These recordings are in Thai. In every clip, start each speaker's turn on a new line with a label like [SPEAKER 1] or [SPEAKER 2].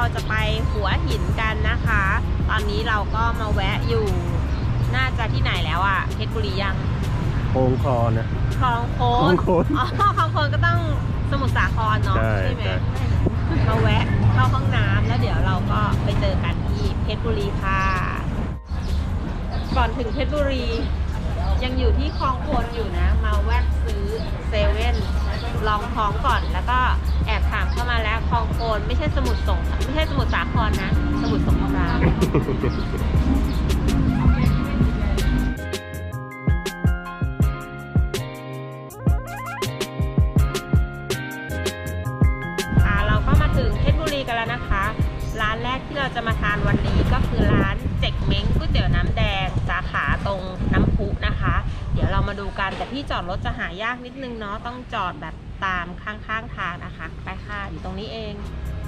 [SPEAKER 1] จะไปหัวหินกันนะคะ ตอนนี้เราก็มาแวะอยู่น่าจะที่ไหนแล้วอ่ะเพชรบุรียัง
[SPEAKER 2] โค้งคอนะ
[SPEAKER 1] คลองโค้งอ๋อคลองโค้งก็ต้องสมุทรสาครเนาะใช่ไหมมาแวะเข้าห้องน้ำแล้วเดี๋ยวเราก็ไปเจอกันที่เพชรบุรีค่ะก่อนถึงเพชรบุรียังอยู่ที่คลองโคนอยู่นะมาแวะซื้อเซเว่นลองท้องก่อนแล้วก็แอบถามเข้ามาแล้วคลองโคนไม่ใช่สมุทรสาครนะสมุทรสงครามเราก็มาถึงเพชรบุรีกันแล้วนะคะร้านแรกที่เราจะมาทานวันนี้ก็คือร้านเจ๊กเม้งก๋วยเตี๋ยวน้ำแดงสาขาตรงน้ำพุนะคะเดี๋ยวเรามาดูกันแต่ที่จอดรถจะหายากนิดนึงเนาะต้องจอดแบบตามข้างๆทางนะคะไปค่ะอยู่ตรงนี้เอง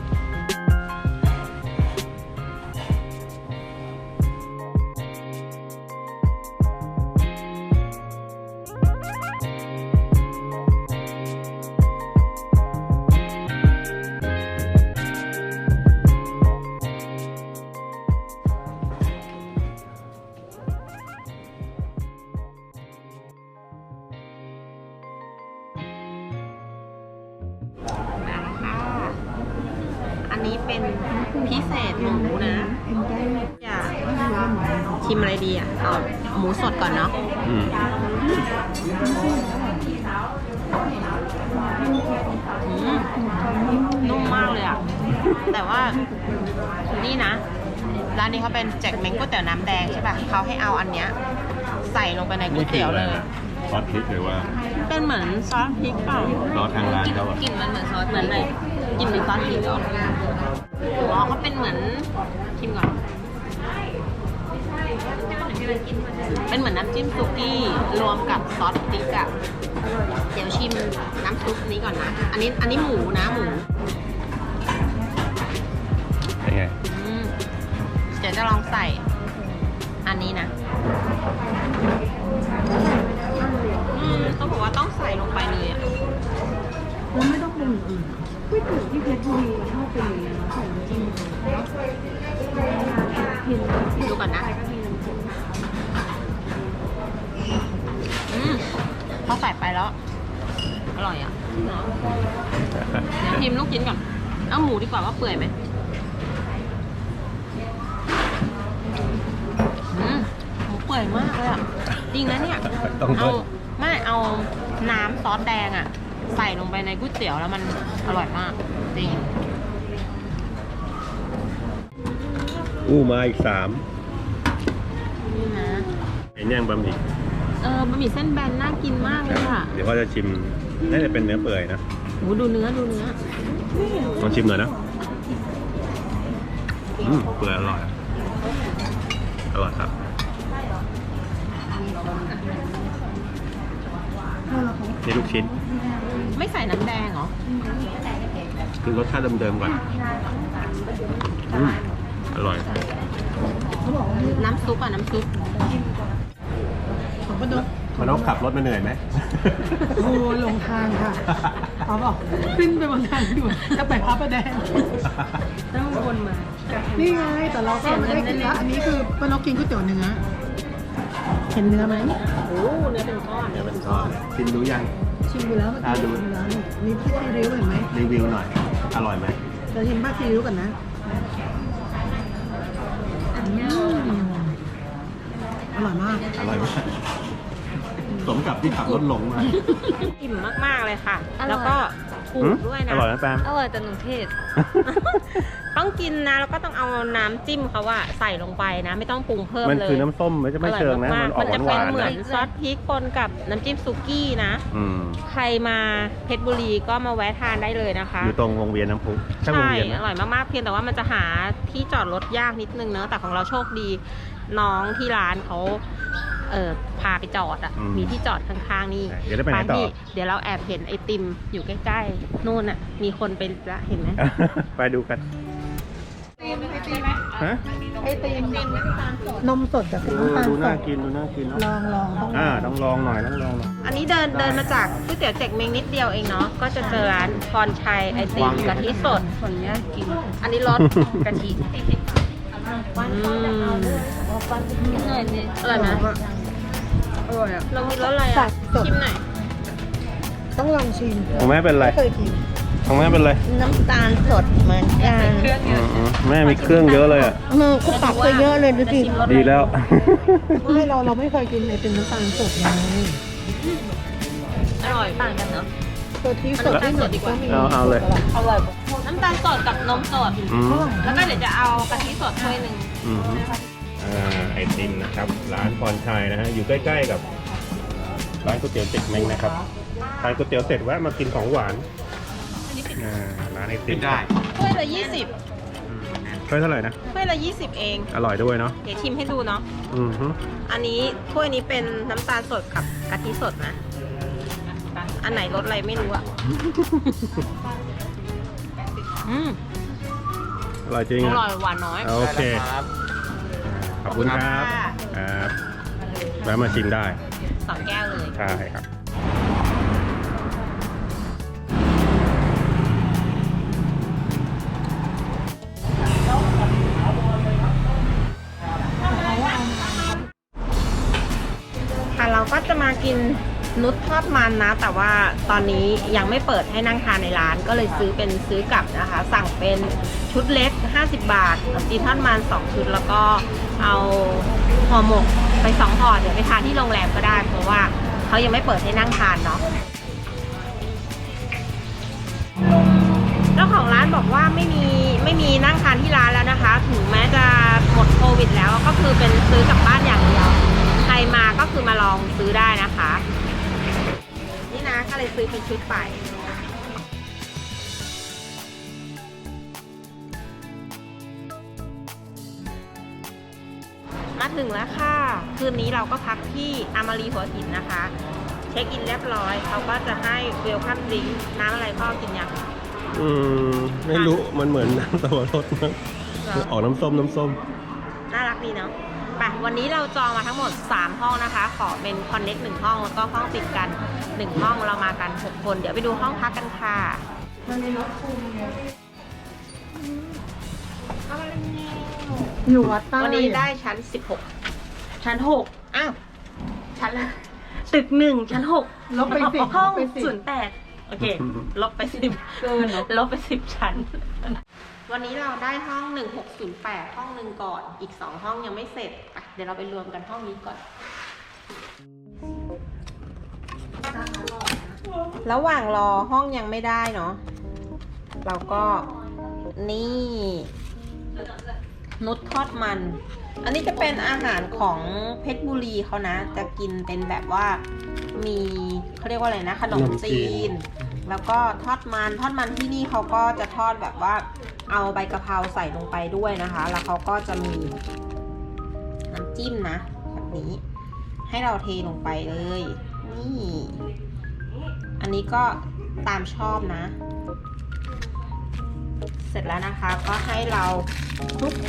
[SPEAKER 1] อันนี้เป็นพิเศษหมูนะอยากชิมอะไรดีอ่ะเอาหมูสดก่อนเนาะนุ่มมากเลยอ่ะแต่ว่านี่นะร้านนี้เขาเป็นแจ็คเม้งก๋วยเตี๋ยวน้ำแดงใช่ป่ะเขาให้เอาอันเนี้ยใส่ลงไปในก๋วยเตี๋ยวเลย
[SPEAKER 2] ซอสพริกหรือว่า
[SPEAKER 1] เป็นเหมือนซอสพริกเปล่า
[SPEAKER 2] ซอสทางร้านเขา
[SPEAKER 1] กลิ่นมันเหมือนซอสเหมือนอะไรกลิ่นเหมือนซอสพริกเหรออ๋อเขาเป็นเหมือนชิมก่อนเป็นเหมือนน้ำจิ้มซุกี้รวมกับซอสพริกอะเดี๋ยวชิมน้ำซุปนี้ก่อนนะอันนี้หมูนะหมู
[SPEAKER 2] เป็นไง
[SPEAKER 1] เดี๋ยวจะลองใส่อันนี้นะต้องบอกว่าต้องใส่ลงไปเลยอ่ะ
[SPEAKER 3] แล้วไม่ต้องปรุงอื่นก๋วยเตี๋ยวที่เพชรบุรีมันชอบเป็นอย่างนี้ใส่น้ำจิ้ม
[SPEAKER 1] ดูก่อนนะพอใส่ไปแล้วอร่อยอ่ะเดี๋ยวชิมลูกชิ้นก่อนเอาหมูดีกว่าว่าเปื่อยไหมหมูเปื่อยมากเลยอ่ะจริงนะเนี่ยเอาน้ำซอสแดงอ่ะใส่ลงไปในก๋วยเตี๋ยวแล้วมันอร่อยมากจริง
[SPEAKER 2] มาอีก3
[SPEAKER 1] นี่นะ
[SPEAKER 2] ไอ้ย่างบะหมี่
[SPEAKER 1] บะหมี่เส้นแบนน่ากินมากเลยค่ะ
[SPEAKER 2] เดี๋ยวเขาจะชิมน่าจะเป็นเนื้อเปื่อยนะ
[SPEAKER 1] โหดูเนื้อ
[SPEAKER 2] ลองชิมหน่อยนะเปื่อยอร่อยครับนี่ลูกชิ้น
[SPEAKER 1] ไม่ใส่น้ำแดงเหรอ
[SPEAKER 2] คือรสชาติเดิมๆก่อนอร่อย
[SPEAKER 1] น้ำซุปน้ำซุป
[SPEAKER 3] ของป้านก
[SPEAKER 2] ขับรถมาเหนื่อยไหม
[SPEAKER 3] โอ้ลงทางค่ะเขาบอกขึ้นไปบนทางด่วนจะไปพระประแดง
[SPEAKER 1] ต้องวนมา
[SPEAKER 3] นี่ไงแต่เราก็ไม่ได้กินละอันนี้คือป้านกกินก๋วยเตี๋ยวเนื้อเห็นเนื้อไหม
[SPEAKER 1] โอ้เนื้อเป็นก้อน
[SPEAKER 2] ชิมดูยัง
[SPEAKER 3] ชิมดูแล้วดูแล้วนี่พี่รีวิวเห็นไหม
[SPEAKER 2] รีวิวหน่อยอร่อยไหม
[SPEAKER 3] จะชิมบ้างรีวิวกันนะอร่อยมาก
[SPEAKER 2] สมกับที่ขับรถหลงมา
[SPEAKER 1] อิ่มมากๆเลยค่ะแล้วก็ถูกด้วยนะ
[SPEAKER 2] อร่อยนะแปม
[SPEAKER 1] อร่อยแต่หนูเทศต้องกินนะแล้วก็ต้องเอาน้ำจิ้มเขาว่าใส่ลงไปนะไม่ต้องปรุงเพิ่มเลย
[SPEAKER 2] มันคือน้ำส้มไม่เชิงนะ
[SPEAKER 1] มันจะเป็นเหมือนซอสพริกปนกับน้ำจิ้มซุกี้นะใครมาเพชรบุรีก็มาแวะทานได้เลยนะคะ
[SPEAKER 2] อยู่ตรงวงเวียนน้ำพุ
[SPEAKER 1] ใช่อร่อยมากๆเพียงแต่ว่ามันจะหาที่จอดรถยากนิดนึงเนอะแต่ของเราโชคดีน้องที่ร้านเขาพาไปจอดอ่ะมีที่จอดข้างๆนี่
[SPEAKER 2] เดี๋ยวไปต่อ
[SPEAKER 1] เดี๋ยวเราแอบเห็นไอติมอยู่ใกล้ๆนู่นอ่ะมีคนเป็นละเห็นไหม
[SPEAKER 2] ไปดูกัน
[SPEAKER 1] ไอติมไหม
[SPEAKER 2] ฮะ
[SPEAKER 3] ไอติมนมสดกับน้ำตาล
[SPEAKER 2] ดู
[SPEAKER 3] ส
[SPEAKER 2] น่า
[SPEAKER 3] ด
[SPEAKER 2] กินดูน่ากินเนาะ
[SPEAKER 3] ลองต้อง
[SPEAKER 2] ต้องลองหน่อยต้องลองหน่อย
[SPEAKER 1] อันนี้เดินมาจากก๋วยเตี๋ยวเจ็กเมงนิดเดียวเองเนาะ ก็จะเจอร้านพรชัยไอติมกะทิสดคนนี้กิน อันนี้รสกะทิอร่อยไหม
[SPEAKER 3] อร่อยอ่ะ
[SPEAKER 1] เรามีรสอะไร
[SPEAKER 3] สั
[SPEAKER 1] อ่ะ
[SPEAKER 3] บสด
[SPEAKER 1] ชิมหน่อย
[SPEAKER 3] ต้องลองชิม
[SPEAKER 2] ของแม่เป็นไร
[SPEAKER 3] ไม่เคยกิน
[SPEAKER 2] ของแม่เป็นไร
[SPEAKER 1] น้ำตาลสดเหมือนกัน
[SPEAKER 2] แม่มีเครื่องเยอะเลยอ่ะ
[SPEAKER 3] ก็ตักไปเยอะเลยดูสิ
[SPEAKER 2] ดีแล้ว
[SPEAKER 3] ไม่เราไม่เคยกินไอติมน้ำตาลสดไง
[SPEAKER 1] อร่อยต่างกันเนาะ
[SPEAKER 3] ตัวที่สดที่หนึ่งก็มี
[SPEAKER 2] เอาเลย
[SPEAKER 1] อร่อยน้ำตาลสดกับนมสด
[SPEAKER 2] อืม
[SPEAKER 1] แล้วก็เดี๋ยวจะเอากะทิสดถ้วยหนึ่ง
[SPEAKER 2] อืมไอติมนะครับ ร้านพรชัยนะฮะ อยู่ใกล้ๆกับ ร้านก๋วยเตี๋ยวเจ็กเม้งนะครับทานก๋วยเตี๋ยวเสร็จแวะมากินของหวานร้านไอติมได้
[SPEAKER 1] ถ้วยละ20
[SPEAKER 2] เท่าไหร่นะ
[SPEAKER 1] ถ้วยละ20 เอง
[SPEAKER 2] อร่อยด้วยเนาะ
[SPEAKER 1] เดี๋ยวชิมให้ดูเนาะ
[SPEAKER 2] อือฮึ
[SPEAKER 1] อันนี้ถ้วยนี้เป็นน้ำตาลสดกับกะทิสดนะ อันไหนรสอะไรไม่รู้อะอืม
[SPEAKER 2] อร่อยจริง
[SPEAKER 1] อ
[SPEAKER 2] อ่ะ
[SPEAKER 1] ร่อยหวานน้อย
[SPEAKER 2] โอเค ขอบคุณครับครับแวะมาชิมได้
[SPEAKER 1] 2 แก้วเลย
[SPEAKER 2] ใช่ครับ
[SPEAKER 1] ค่ะเราก็จะมากินนุชทอดมันนะ แต่ว่าตอนนี้ยังไม่เปิดให้นั่งทานในร้าน ก็เลยซื้อกลับนะคะ สั่งเป็นชุดเล็ก50 บาทกับจีนทอดมัน2 ชุด แล้วก็เอาห่อหมกไป2 ห่อเดี๋ยวไปทานที่โรงแรมก็ได้ เพราะว่าเขายังไม่เปิดให้นั่งทานเนาะเจ้าของร้านบอกว่าไม่มีนั่งทานที่ร้านแล้วนะคะ ถึงแม้จะหมดโควิดแล้วก็คือเป็นซื้อกลับบ้านอย่างเดียวใครมาก็คือมาลองซื้อได้นะคะ นี่นะก็เลยซื้อเป็นชุดไปมาถึงแล้วค่ะ คืนนี้เราก็พักที่อามารีหัวหินนะคะ เช็คอินเรียบร้อยเขาก็จะให้เวลคัมดริงก์น้ำอะไรพ่อกินยัง
[SPEAKER 2] ไม่รู้ มันเหมือนน้ำตะวันรสมั้งออกน้ำส้ม
[SPEAKER 1] น่ารักดีเนาะไปวันนี้เราจองมาทั้งหมด3 ห้องนะคะ ขอเป็นคอนเน็ก1 ห้องแล้วก็ห้องติดกัน1 ห้องเรามากัน6 คนเดี๋ยวไปดูห้องพักกันค่ะ
[SPEAKER 3] อยู่วัดใต้
[SPEAKER 1] วันนี้ได้ชั้น16ชั้น6อ้าวชั้นละตึก1ชั้น6
[SPEAKER 3] ลบไป10
[SPEAKER 1] ห้อง
[SPEAKER 3] ลบไป10
[SPEAKER 1] 08โอเคลบไป10
[SPEAKER 3] เกินเนอะ
[SPEAKER 1] ลบไป10 ชั้น วันนี้เราได้ห้อง1608ห้องหนึ่งก่อนอีก2 ห้องยังไม่เสร็จอ่ะเดี๋ยวเราไปรวมกันห้องนี้ก่อน ระหว่างรอห้องยังไม่ได้เนาะเราก็นี่นุชทอดมัน อันนี้จะเป็นอาหารของเพชรบุรีเขานะ จะกินเป็นแบบว่ามีเขาเรียกว่าอะไรนะขนมจีน แล้วก็ทอดมันที่นี่เขาก็จะทอดแบบว่าเอาใบกะเพราใส่ลงไปด้วยนะคะ แล้วเขาก็จะมีน้ำจิ้มนะแบบนี้ให้เราเทลงไปเลยนี่อันนี้ก็ตามชอบนะ เสร็จแล้วนะคะก็ให้เราคลุก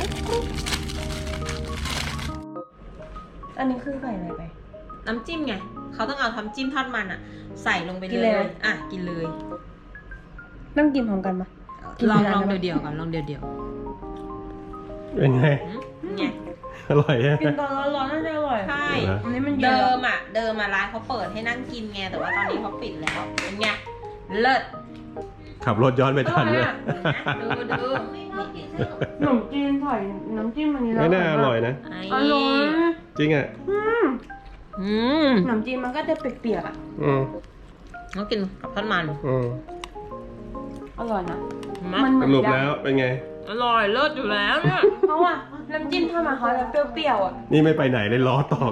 [SPEAKER 1] อันนี้คือใส่อะไรไปน้ำจิ้มไงเขาต้องเอาทำจิ้มทอดมันอะใส่ลงไปเลยอ่ะกินเลย
[SPEAKER 3] นั่งกินพร้อมกันปะ
[SPEAKER 1] ลองเดี่ยวๆก่อนลองเดี่ยว
[SPEAKER 2] เป็นไง
[SPEAKER 1] ๆไง
[SPEAKER 2] อร่อยใช่ไหม
[SPEAKER 3] กินตอนร้อนๆน่าจะอร่อย
[SPEAKER 1] ใช่
[SPEAKER 3] อันนี้มันเย็น
[SPEAKER 1] เดิ
[SPEAKER 3] แล้ว
[SPEAKER 1] มร้านเขาเปิดให้นั่งกินไงแต่ว่าตอนนี้เขาปิดแล้วเป็นไงเลิศ
[SPEAKER 2] ขับรถย้อนไปทันเลย
[SPEAKER 1] ดู
[SPEAKER 3] ขนมจีนใส่น้ำจิ้มอันนี้
[SPEAKER 2] ไม่น่าอร่อยนะ
[SPEAKER 3] อร่อย
[SPEAKER 2] จริงอ่ะ
[SPEAKER 3] ขนมจีนมันก็จะเปียกๆอ่ะ
[SPEAKER 1] ต้องกินกับทอดมัน
[SPEAKER 3] อร่อยนะ
[SPEAKER 1] มั
[SPEAKER 3] เห
[SPEAKER 2] ส
[SPEAKER 3] มือน
[SPEAKER 2] รุปแล้วเป็นไง
[SPEAKER 1] อร่อยเลิศอยู่แล้วเนี่ย
[SPEAKER 3] เพราะว่าน้ำจิ้มถ้ามาเขาจะเปรี้ยวๆอ่ะ
[SPEAKER 2] นี่ไม่ไปไหนเลยล้อตอก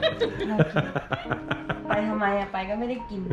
[SPEAKER 3] ไปทำไมอ่ะ ไปก็ไม่ได้กิน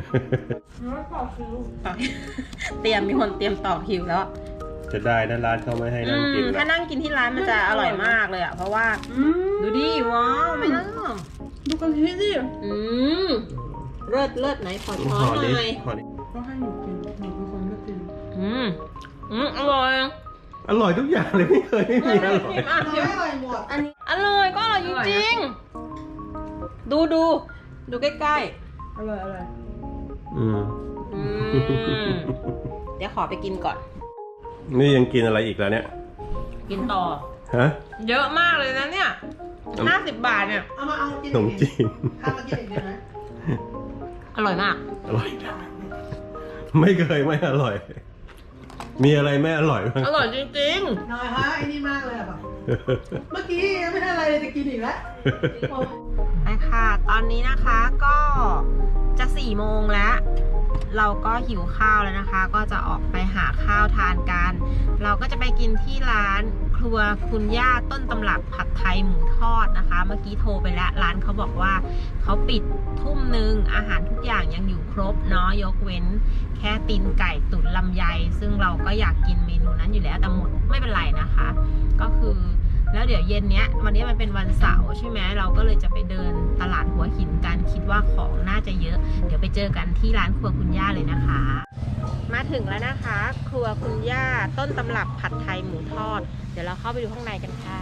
[SPEAKER 1] มีคนเตรียมต่อคิวแล้ว
[SPEAKER 2] จะได้นะร้านเขาไม่ให้นั่งกิน
[SPEAKER 1] ถ้านั่งกินที่ร้านมันจะอร่อยมากเลยอ่ะเพราะว่าดูดิว้าวไม่น่า
[SPEAKER 3] ดูกะทิสิ
[SPEAKER 1] เลิศไหนขอช้อน
[SPEAKER 2] ขอ
[SPEAKER 1] ห
[SPEAKER 2] ดิ
[SPEAKER 1] น่อย
[SPEAKER 2] ขอดิ
[SPEAKER 3] ก็ให้หนูกินหนูเป็นคนไม่กิน
[SPEAKER 1] อร่อย
[SPEAKER 2] อร่อยทุกอย่างเลยไม่เคยไม่มีอร่อย
[SPEAKER 1] ชิม
[SPEAKER 3] อร่อยหมด
[SPEAKER 1] อันนี้อร่อยก็อร่อยจริงๆดูใกล้
[SPEAKER 3] อร่อยอร่อย
[SPEAKER 2] อืม
[SPEAKER 1] ๆเดี๋ยวขอไปกินก่อน
[SPEAKER 2] นี่ยังกินอะไรอีกแล้วเนี่ย
[SPEAKER 1] กินต่อ
[SPEAKER 2] ฮะ
[SPEAKER 1] เยอะมากเลยนะเนี่ย50 บาทเนี่ย
[SPEAKER 3] เอากิน
[SPEAKER 2] ขนมจีน
[SPEAKER 3] ข้าวมากินอีกดีไหม
[SPEAKER 1] อร่อยมาก
[SPEAKER 2] อร่อยไม่เคยไม่อร่อย มีอะไรไม่อร่อยบ้าง
[SPEAKER 1] อร่อยจริง
[SPEAKER 3] น้อยฮะไอ้นี่มากเลยอะแบบเมื่อกี้ยังไม่ได้อะไรเลยจะกินอีกแล้ว
[SPEAKER 1] ๆไปค่ะ ตอนนี้นะคะก็จะ4 โมงแล้ว เราก็หิวข้าวแล้วนะคะ ก็จะออกไปหาข้าวทานกัน เราก็จะไปกินที่ร้านครัวคุณย่าต้นตำรับผัดไทยหมูทอดนะคะ เมื่อกี้โทรไปแล้วร้านเขาบอกว่าเขาปิดทุ่มนึงอาหารทุกอย่างยังอยู่ครบเนาะยกเว้นแค่ตีนไก่ตุ๋นลำไยซึ่งเราก็อยากกินเมนูนั้นอยู่แล้วแต่หมดไม่เป็นไรนะคะ ก็คือแล้วเดี๋ยวเย็นเนี้ยวันนี้มันเป็นวันเสาร์ใช่ไหมเราก็เลยจะไปเดินตลาดหัวหินกันคิดว่าของน่าจะเยอะเดี๋ยวไปเจอกันที่ร้านครัวคุณย่าเลยนะคะ มาถึงแล้วนะคะ ครัวคุณย่าต้นตำรับผัดไทยหมูทอดเดี๋ยวเราเข้าไปดูข้างในกันค่ะ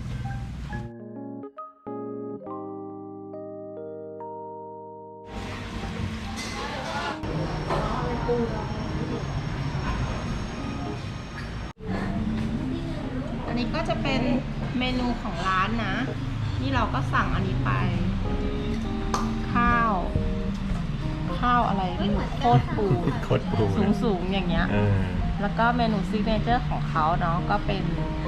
[SPEAKER 1] อันนี้ก็จะเป็นเมนูของร้านนะ นี่เราก็สั่งอันนี้ไป ข้าวอะไรไม่รู้โคตรปู
[SPEAKER 2] โคตรปูนะ
[SPEAKER 1] สูงอย่างเงี้ย แล้วก็เมนูซิกเนเจอร์ของเขาเนาะก็เป็น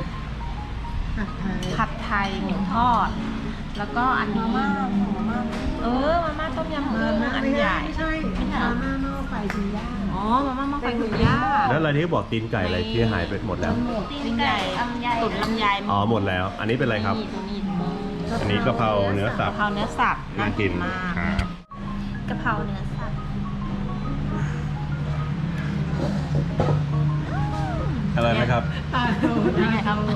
[SPEAKER 1] ผัดไทยหมูทอด แล้วก็อันนี้มาม่าต้มยำกุ้งอันใหญ่
[SPEAKER 3] ไม่ใช่มาม่าหม้อไฟคุณย่า
[SPEAKER 1] อ๋อมาม่าหม้อไฟคุณย่า
[SPEAKER 2] แล้วอะไรที่บอกตีนไก่อะไรที่หายไปหมดแล้ว
[SPEAKER 1] ตีนไก่ตุ๋นลำไย
[SPEAKER 2] อ๋อหมดแล้ว อันนี้เป็นอะไรครับ
[SPEAKER 1] นี่
[SPEAKER 2] อันนี้กะเพราเนื้อสับ
[SPEAKER 1] กะเพราเนื้อสับ
[SPEAKER 2] น่ากิน
[SPEAKER 1] มาก
[SPEAKER 2] ครับ
[SPEAKER 1] กะเพราเนื้อสับ
[SPEAKER 2] อะไรไหมครับ
[SPEAKER 3] ตาโต
[SPEAKER 1] ยังไงครับ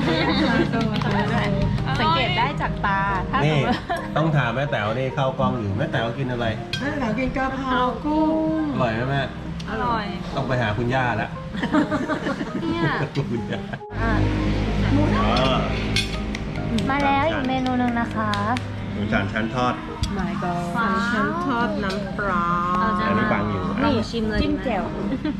[SPEAKER 1] สังเกตได้จากตาถ้าสม
[SPEAKER 2] นี่
[SPEAKER 1] มติ
[SPEAKER 2] ต้องถามแม่แต๋วนี่เข้ากล้องอยู่แม่แต๋วกินอะไร
[SPEAKER 3] แม่หลังกินกะเพรากุ้ง
[SPEAKER 2] อร่อยไหมแม่
[SPEAKER 1] อร่อย
[SPEAKER 2] ต้องไปหาคุณย่าแล้ว
[SPEAKER 1] เนี่ย
[SPEAKER 2] คุณย่า
[SPEAKER 4] อ่ะ
[SPEAKER 2] อ๋อ
[SPEAKER 4] มาแล้วอีกเมนูหนึ่งนะคะ
[SPEAKER 2] หมูจานชั้นทอด
[SPEAKER 3] my god
[SPEAKER 1] ฉันทอดน้ำปลา
[SPEAKER 2] อันนี้บางอยู่
[SPEAKER 4] นี่ชิมเลยจิ้มแจ่ว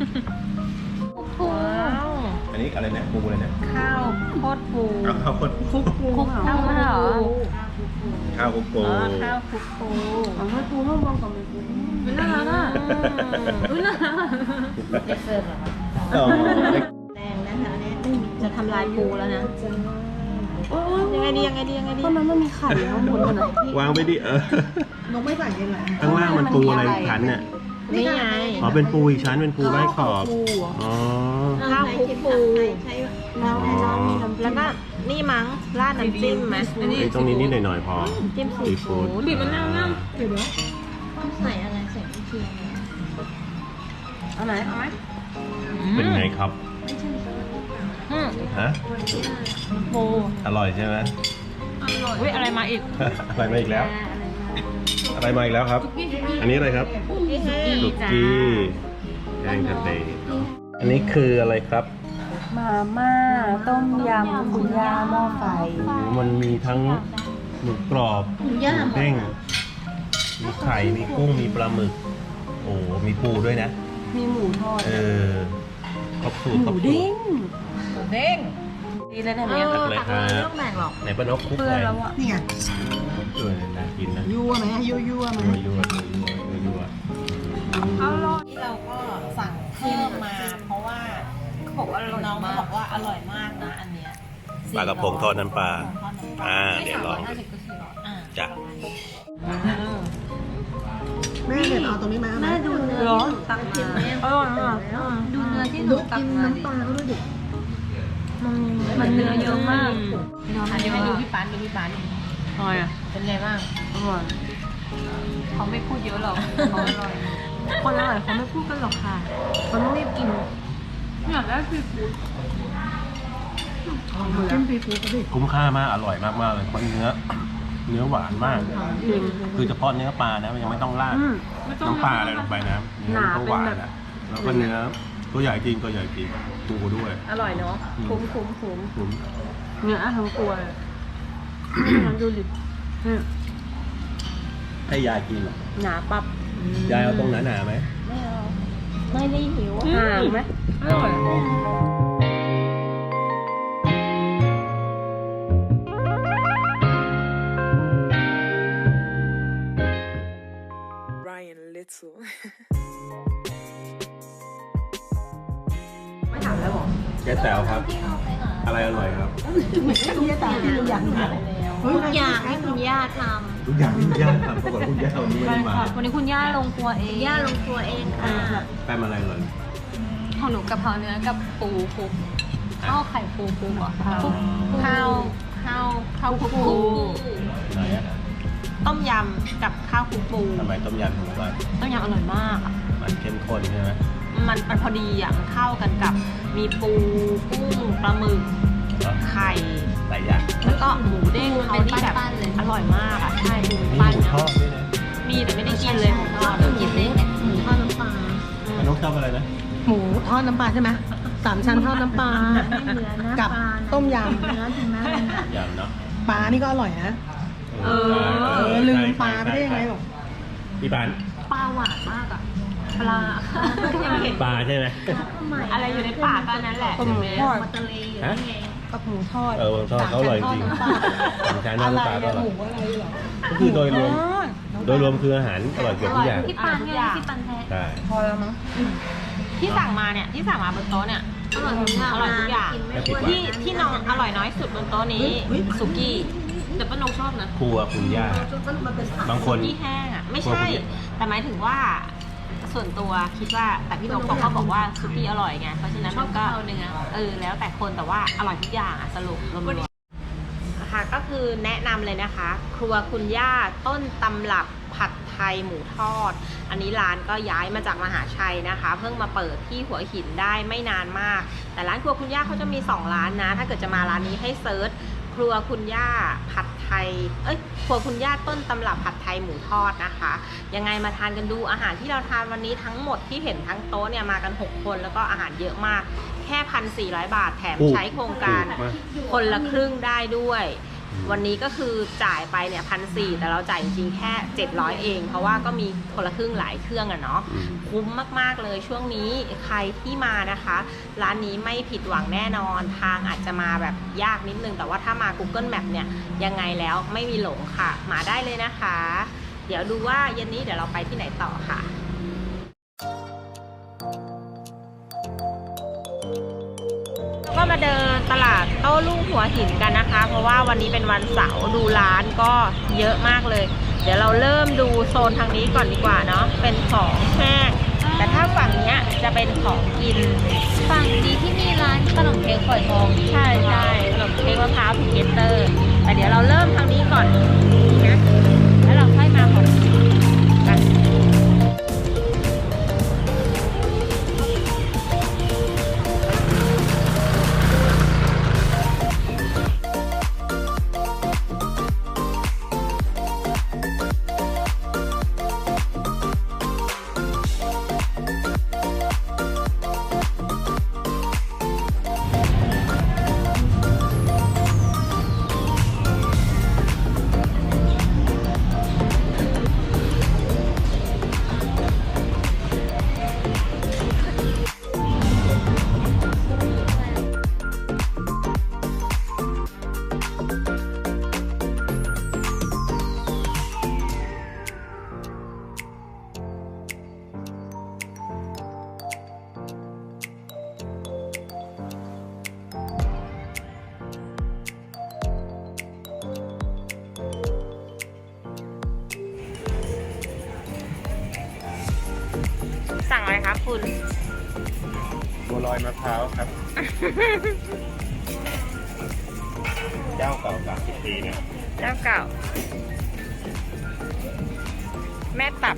[SPEAKER 1] ว้าว
[SPEAKER 2] อันนี้อะไรเนี่ยปูอะไรเนี่ย
[SPEAKER 1] ข้าวโคตรปู
[SPEAKER 2] เอาข้าวโพด
[SPEAKER 3] คุกปู
[SPEAKER 4] เอามาเหรอ
[SPEAKER 2] ข้าวคุกปู
[SPEAKER 1] อ๋อข้าวคลุกปู
[SPEAKER 3] เอาไม่ปูห้องมองกับไม่ปูเป็นน่ารักอ่ะ
[SPEAKER 1] อุ้ยน่ารัก
[SPEAKER 4] เด็กเสิร์ฟเหรอคะ
[SPEAKER 2] อ๋อ
[SPEAKER 1] แรงนะแถวนี้จะทำลายปูแล้วนะยังไงดี
[SPEAKER 3] ตอนนั้นมันมีไข่ข้างบนมันอ่ะ
[SPEAKER 2] วางไปดิ
[SPEAKER 3] นกไม่ใส่ยังไง
[SPEAKER 2] ข้างล่างมันปูอะไรชั้นเนี่ย
[SPEAKER 1] นี่ไง
[SPEAKER 2] อ๋อเป็นปูอีกชั้นเป็นปูไร้ขอบ
[SPEAKER 3] ปูเหรอ
[SPEAKER 2] อ๋อ
[SPEAKER 1] ข้าวคลุกปู
[SPEAKER 3] แล้ว
[SPEAKER 2] อ๋อ
[SPEAKER 1] แล้วก็นี่มั้งราดน้ำจิ้มไหม
[SPEAKER 2] ไอ้ตรงนี้นิดหน่อยๆพอ
[SPEAKER 1] จิ้มซี
[SPEAKER 2] ซีฟู้
[SPEAKER 1] ฟู้
[SPEAKER 2] ด
[SPEAKER 1] ดบีบมะนาวน้
[SPEAKER 3] เดี๋ยวนะ
[SPEAKER 4] ใส่อะไรใส่วิเชียร
[SPEAKER 3] เอาไหนเอาไหม
[SPEAKER 1] ำ
[SPEAKER 2] เป็นไงครับ
[SPEAKER 1] อืม
[SPEAKER 2] ฮะ
[SPEAKER 1] ปู
[SPEAKER 2] อร่อยใช่ไหม
[SPEAKER 1] อุ้ยอะไรมาอีก
[SPEAKER 2] อะไรมาอีกแล้ว อะไรมาอีกแล้วครับ อันนี้อะไรครับ
[SPEAKER 1] นี่ไง
[SPEAKER 2] สุกี้แกงทะเลอันนี้คืออะไรครับ
[SPEAKER 3] มาม่าต้มยำคุณย่าหม้อไฟ
[SPEAKER 2] มันมีทั้งหมูกรอบหมูเด้งมีไข่มีกุ้งมีปลาหมึก โอ้มีปูด้วยนะ
[SPEAKER 3] มีหมูทอด
[SPEAKER 2] เออครบสูตร
[SPEAKER 3] ห
[SPEAKER 2] คร
[SPEAKER 3] มู
[SPEAKER 2] บสูต
[SPEAKER 3] เด้
[SPEAKER 2] รง
[SPEAKER 1] เด้งดีเลยนะเนี่ย
[SPEAKER 2] ตักเลย
[SPEAKER 1] ตัก
[SPEAKER 2] ค
[SPEAKER 1] เล
[SPEAKER 2] รั
[SPEAKER 1] ย
[SPEAKER 2] บ
[SPEAKER 1] ไม่ต้องแบ่งหรอก
[SPEAKER 2] ไหนป้านกคุก
[SPEAKER 3] เพื่อ
[SPEAKER 2] ไหน
[SPEAKER 3] แล้วอ่ะนี่ไง
[SPEAKER 2] เออน่ากินนะ
[SPEAKER 3] ยั่วไหมยั่วไหม
[SPEAKER 2] ยั่วยั่ว
[SPEAKER 1] อร่อยที่เราก็สั่งเพิ่มมา เพราะว่าเขาบอกว่าน้องบอกว่าอร่อยมากนะอันเนี้ย
[SPEAKER 2] ปลากระพงทอดน้ำปลา
[SPEAKER 1] ไม่
[SPEAKER 2] เดี๋ยวลอง
[SPEAKER 1] 350ก็400อ่า
[SPEAKER 2] จ้ะ
[SPEAKER 3] แม่เดี๋ยวเอาตรงนี้มาแม่ดูเนื้อ
[SPEAKER 1] ร้อนตักกินไหมอร่อยมาก
[SPEAKER 4] ดูเนื้อที่หนูตักมาดิ
[SPEAKER 3] ปลาเขาด้วยดิ
[SPEAKER 4] มันเนื้อเยอะมาก
[SPEAKER 1] อันนี้ให้ดูพี่ปานอร่อยอ่ะเป็นไงบ้าง
[SPEAKER 3] อร่อย
[SPEAKER 1] เขาไม่พูดเยอะหรอกเขาอร่อย
[SPEAKER 3] คนอร่อยเขาไม่พูดกันหรอกค่ะเขาต้องรีบกิน
[SPEAKER 1] อยากได้ซีฟู้ด
[SPEAKER 3] จิ้มซีฟู้ดก็ดิ
[SPEAKER 2] คุ้มค่ามากอร่อยมากเลยเพราะเนื้อหวานมาก คือเฉพาะเนื้อปลานะยังไม่ต้องราดน้ำปลาอะไรลงไปนะเนื้อก็หวานแล้วแล้วก็เนื้อตัวใหญ่จริงตัวใหญ่จริงปูด้วย
[SPEAKER 1] อร่อยเนาะ คุ้ม
[SPEAKER 2] คุ้ม
[SPEAKER 3] เนื้อทั้งตัวเลยมันดูดิเนี่ย
[SPEAKER 2] ให้ยายกินเหรอ
[SPEAKER 1] หนาปับ
[SPEAKER 2] ยายเอาตรงหนาๆไหม
[SPEAKER 4] ไม่เอาไม่ได้หิว
[SPEAKER 3] ห่างไหมอร่อย
[SPEAKER 5] Ryan Little
[SPEAKER 1] ไม่ถามแล้วหรอ
[SPEAKER 2] แกแต๋วครับ อะไรอร่อยครับ
[SPEAKER 3] ทุกอย่างที่ทุกอย่าง
[SPEAKER 4] ทุกอย่างให้คุณย่าท
[SPEAKER 2] ทุกอย่างที่ย่าทำปรากฏคุณย่าวันนี้ไม่ได้มา
[SPEAKER 4] ำวันนี้คุณย่าลงครัวเองย่าลงครัวเองค่ะ
[SPEAKER 2] แป้มอะไรเลย
[SPEAKER 4] ของหนูกะเพราเนื้อกับปูคลุกข้าวไข่ปูคลุกเหรอคลุก
[SPEAKER 1] ข้าวคลุกปู
[SPEAKER 2] ไหนอะ
[SPEAKER 1] ต้มยำกับข้าวคลุกปู
[SPEAKER 2] ทำไมต้มยำถึงอร่อย
[SPEAKER 1] ต้มยำอร่อยมากอะ
[SPEAKER 2] มันเข้มข้นใช่ไหม
[SPEAKER 1] มันพอดีอ่ะมันเข้ากันกับมีปูกุ้งปลาหมึก
[SPEAKER 2] เนอะ
[SPEAKER 1] ไข่
[SPEAKER 2] หลายอย่าง
[SPEAKER 1] แล้วก็หมูเด้งเขาที่แบบอร่อยมากอ่ะใช่หมู
[SPEAKER 2] มี
[SPEAKER 1] ปั้น
[SPEAKER 2] หมูท
[SPEAKER 1] นะ
[SPEAKER 2] อดด้วยนะ
[SPEAKER 1] มีแต่ไม่ได้กินเลยหมูทอด
[SPEAKER 4] กินเล้งเนี่ยหมูทอดน้ำปลา
[SPEAKER 2] นกชอบอะไรนะ
[SPEAKER 3] หมูทอดน้ำปลาใช่ไหม3 ชั้นทอดน้ำปลา
[SPEAKER 4] เนื้อนะ
[SPEAKER 3] กับ
[SPEAKER 4] ปลานะ
[SPEAKER 3] ต้มย
[SPEAKER 4] เนื้อถึงแม้มันหนัก
[SPEAKER 2] ยำเนาะ
[SPEAKER 3] ำปลานี่ก็อร่อยนะ ลืมปลาไปได้ยังไงหรอ
[SPEAKER 2] พี่ปาน
[SPEAKER 4] ปลาหวานมากอ่ะปลา
[SPEAKER 2] ปลาใช่ไหม
[SPEAKER 1] อะไรอยู่ในปากก็นั้นแหละ
[SPEAKER 3] หมูทอด
[SPEAKER 4] มาตะเลอยู่นี่ไง
[SPEAKER 3] กับหมูทอด
[SPEAKER 2] หมูทอดเขาอร่อยจริง
[SPEAKER 3] 3 ชั้นทอด
[SPEAKER 2] สามชั้น
[SPEAKER 3] น้ำ
[SPEAKER 2] ท
[SPEAKER 3] ป
[SPEAKER 2] อด
[SPEAKER 3] ลา
[SPEAKER 2] น้ำปลาก็อร่อย
[SPEAKER 3] อะไรหมูอะไรเหรอ
[SPEAKER 2] ก็คือโดยรวม
[SPEAKER 3] อ๋อ
[SPEAKER 2] โดยรวมคืออาหารอร่อยเกือบทุกอย่าง
[SPEAKER 4] พี่ปันไงพี่ปันแท้
[SPEAKER 2] ใช่
[SPEAKER 3] พอแล้วมั้ง
[SPEAKER 1] ที่สั่งมาเนี่ยที่สั่งมาบนโต๊ะเนี่ย
[SPEAKER 4] อร่อยทุกอย่าง
[SPEAKER 1] อร่อยทุกอย่าง
[SPEAKER 4] กินไม่อ้วน
[SPEAKER 1] ที่น้องอร่อยน้อยสุดบนโต๊ะนี้สุกี้แต่ป้านกชอบนะ
[SPEAKER 2] ครัวคุณย่า บางคน
[SPEAKER 1] สุกี้แห้งอ่ะไม่
[SPEAKER 2] ครัว
[SPEAKER 1] ใช่
[SPEAKER 2] คุณย่า
[SPEAKER 1] แต่หมายถึงว่าส่วนตัวคิดว่าแต่พี่นกเขาบอกว่าสุกี้อร่อยไงเพราะฉะนั้นมันก็แล้วแต่คนแต่ว่าอร่อยทุกอย่างอ่ะสรุปรวมๆนะคะก็คือแนะนำเลยนะคะ ครัวคุณย่าต้นตำรับผัดไทยหมูทอด อันนี้ร้านก็ย้ายมาจากมหาชัยนะคะ เพิ่งมาเปิดที่หัวหินได้ไม่นานมาก แต่ร้านครัวคุณย่าเขาจะมี2ร้านนะถ้าเกิดจะมาร้านนี้ให้เซิร์ชครัวคุณย่าผัดไทยครัวคุณย่าต้นตำรับผัดไทยหมูทอดนะคะ ยังไงมาทานกันดูอาหารที่เราทานวันนี้ทั้งหมดที่เห็นทั้งโต๊ะเนี่ยมากัน6คนแล้วก็อาหารเยอะมากแค่ 1,400 บาทแถมใช้โครงการคนละครึ่งได้ด้วย วันนี้ก็คือจ่ายไปเนี่ย1,400แต่เราจ่ายจริงๆแค่700เองเพราะว่าก็มีคนละครึ่งหลายเครื่องอะเนาะคุ้มมากๆเลยช่วงนี้ใครที่มานะคะร้านนี้ไม่ผิดหวังแน่นอนทางอาจจะมาแบบยากนิดนึงแต่ว่าถ้ามา Google Map เนี่ยยังไงแล้วไม่มีหลงค่ะมาได้เลยนะคะ เดี๋ยวดูว่าเย็นนี้เดี๋ยวเราไปที่ไหนต่อค่ะก็มาเดินตลาดโต้รุ่งหัวหินกันนะคะเพราะว่าวันนี้เป็นวันเสาร์ดูร้านก็เยอะมากเลยเดี๋ยวเราเริ่มดูโซนทางนี้ก่อนดีกว่าเนาะเป็นของแห้งแต่ถ้าฝั่งเนี้ยจะเป็นของกิน
[SPEAKER 4] ฝั่งนี้ที่มีร้านขนมเค้กฝอยทอง
[SPEAKER 1] ใช่ขนมเค้กมะพร้าวพิเกเตอร์แต่เดี๋ยวเราเริ่มทางนี้ก่อนนะแล้วเราค่อยมาของกันสั่งอะไรครับคุณ
[SPEAKER 2] บัวลอยมะพร้าวครับ เจ้าเก่า30 ปีนะ
[SPEAKER 1] เจ้าเก่า แม่ตับ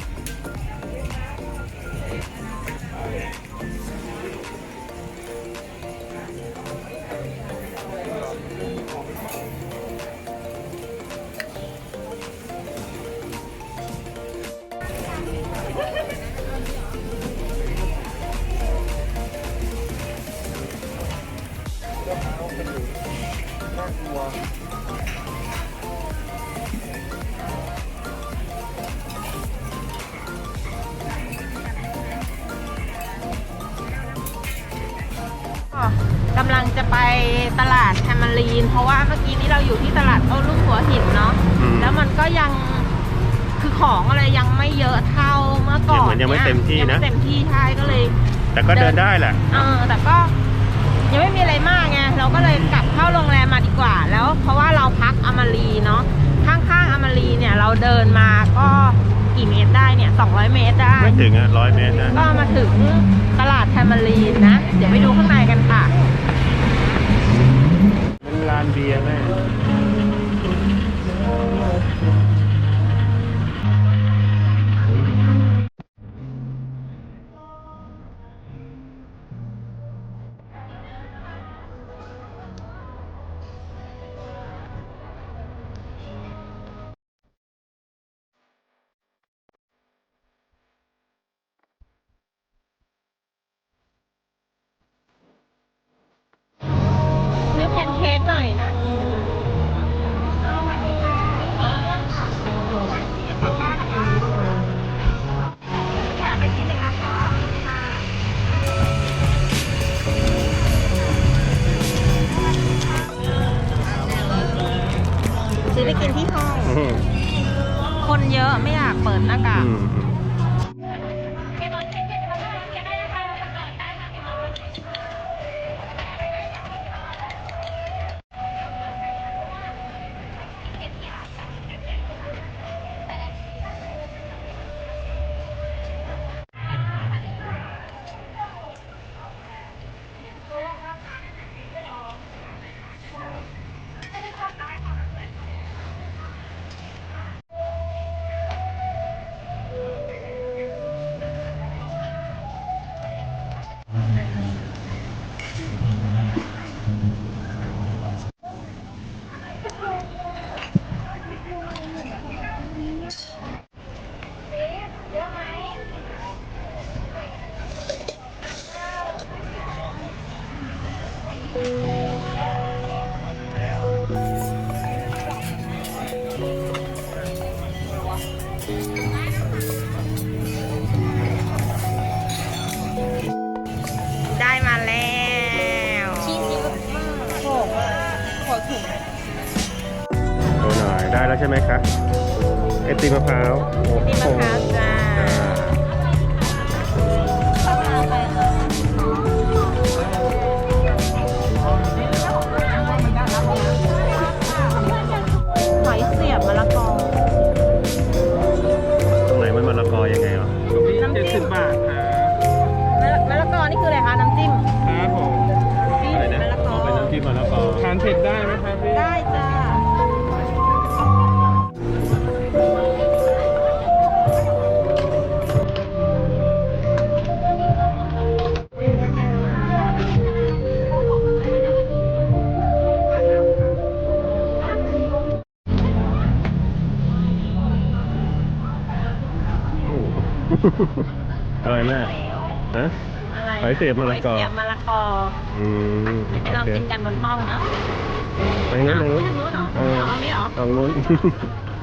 [SPEAKER 1] จะไปตลาดแทมมารีนเพราะว่าเมื่อกี้นี้เราอยู่ที่ตลาดโต้รุ่งหัวหินเนาะ แล้วมันก็ยังคือของอะไรยังไม่เยอะเท่าเมื่อก่อน
[SPEAKER 2] ยังไม่เต็มที่นะ
[SPEAKER 1] ยังไม่เต็มที่ใช่ก็เลย
[SPEAKER 2] แต่ก็เดินได้แหละ
[SPEAKER 1] แต่ก็ยังไม่มีอะไรมากไงเราก็เลยกลับเข้าโรงแรมมาดีกว่า แล้วเพราะว่าเราพักอมรีเนาะข้างๆอมรีเนี่ยเราเดินมาก็กี่เมตรได้เนี่ย200 เมตรได้
[SPEAKER 2] ไม่ถึง100 เมตรนะ
[SPEAKER 1] ก็มาถึงตลาดแทมมารีนนะ เดี๋ยวไปดูข้างในกันค่ะ
[SPEAKER 2] เป็นร้านเบียร์แม่
[SPEAKER 1] ซื้อแพนเค้กหน่อยนะซื้อไปกินที่ห้อง คนเยอะไม่อยากเปิดหน้ากาก ได้มาแล้วชีสเยอะมากโหถุง
[SPEAKER 2] โชว์หน่อยได้แล้วใช่ไหมคะไอติมมะพร้าว
[SPEAKER 1] นี่มะพร้าวจ้า หอยเสียบมะละกอ
[SPEAKER 2] ตรงไหนมันมะละกอยังไงเหรอ
[SPEAKER 1] น้ำจิ้มบาทครับมะละกอนี่คืออะไรคะ น้ำจิ้ม
[SPEAKER 5] ครับผม
[SPEAKER 1] จิ้ม
[SPEAKER 2] อะไรนะ
[SPEAKER 1] มะละกอ
[SPEAKER 2] เป็นน้ำจิ้มมะละกอ
[SPEAKER 5] ทานเผ็ดได้ไหมครับพี่
[SPEAKER 1] ได้จ้า
[SPEAKER 2] อร่อยมากฮะ
[SPEAKER 1] อะไร
[SPEAKER 2] หอยเสียบมะละกอ
[SPEAKER 1] หอยเสียบมะละกอ
[SPEAKER 2] อืม
[SPEAKER 1] ไปลองกินกันบนห้องเนาะ
[SPEAKER 2] ไปงั้นเลย
[SPEAKER 1] ทางนู้นเหรอ
[SPEAKER 2] เออ
[SPEAKER 1] เอาอันนี้เหรอ
[SPEAKER 2] เอานู้น